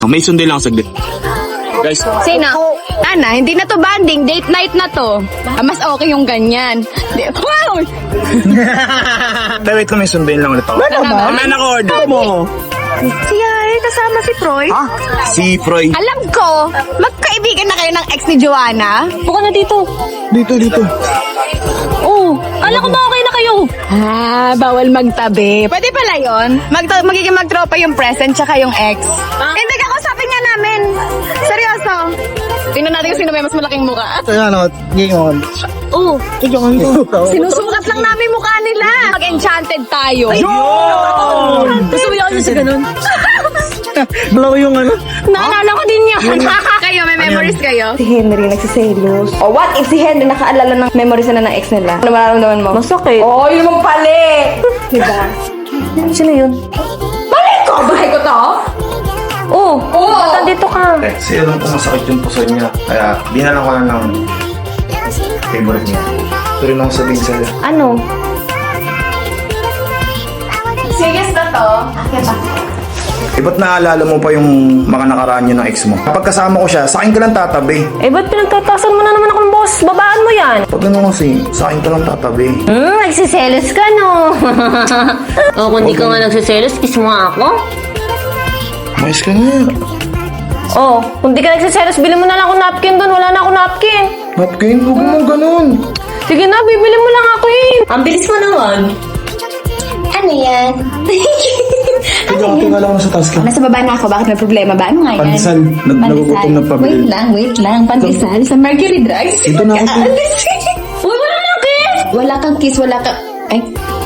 May sundin lang saglit. Guys, Sino? Ana, hindi na to banding. Date night na to. Mas okay yung ganyan. Wow! wait lang, may sundin lang ulit ako. Wala na order mo. Siya kasama si Troy. Si Froy. Alam ko, magkaibigan na kayo ng ex ni Joanna. Buka na dito. Dito. Oh, alam ko ba okay na kayo? Bawal magtabi. Pwede pala yun. Magiging magtropa yung present tsaka yung ex. Hindi, kakausapin nga namin. Seryoso. Tingnan natin kung sino may mas malaking mukha. Oh, Sinusukat lang namin mukha nila. Mag-enchanted tayo. gusto mo yun sa ganun? Blow yung ano. Naalala ko din yan. Kayo, may memories kayo? Si Henry nagsiselos. O what if si Henry nakaalala ng memories na ng ex nila? Ano mararamdaman mo? Masakit. Oh, yun naman pali! Diba? Sino yun? Mali ko! Bahay ko to? Oh, ba't nandito ka? Kasi alam ko masakit yung puso niya. Kaya dinalan ko na ng favorite niya. Ito rin ako sabihin sa'yo. Ano? Serious na to? Ba't naalala mo pa yung mga nakaraan niyo ng ex mo? Kapag kasama ko siya, sa akin ka lang tatabi. Ba't pinagtatasan mo na naman ako ng boss? Babaan mo yan. Pag ano kasi, sa akin ka lang tatabi. Nagsiselos ka, no? Kung di ka nga nagsiselos, kiss mo nga ako. Mais ka nga. Kung di ka nagsiselos, bili mo na lang ako napkin doon. Wala na ako napkin. Napkin, huwag mo ganun. Sige na, bibili mo lang ako eh. Ang bilis mo naman. Ano yan? Tingnan lang ako sa task ka. Nasa baba na ako. Bakit may problema ba? Ano nga yan? Pandesal. Nagugutom na pabili. Wait lang. Pandesal. Sa Mercury Drugs. Ito na ako. Aalis. Uy, wala na kiss! Wala kang kiss, wala kang... Ay,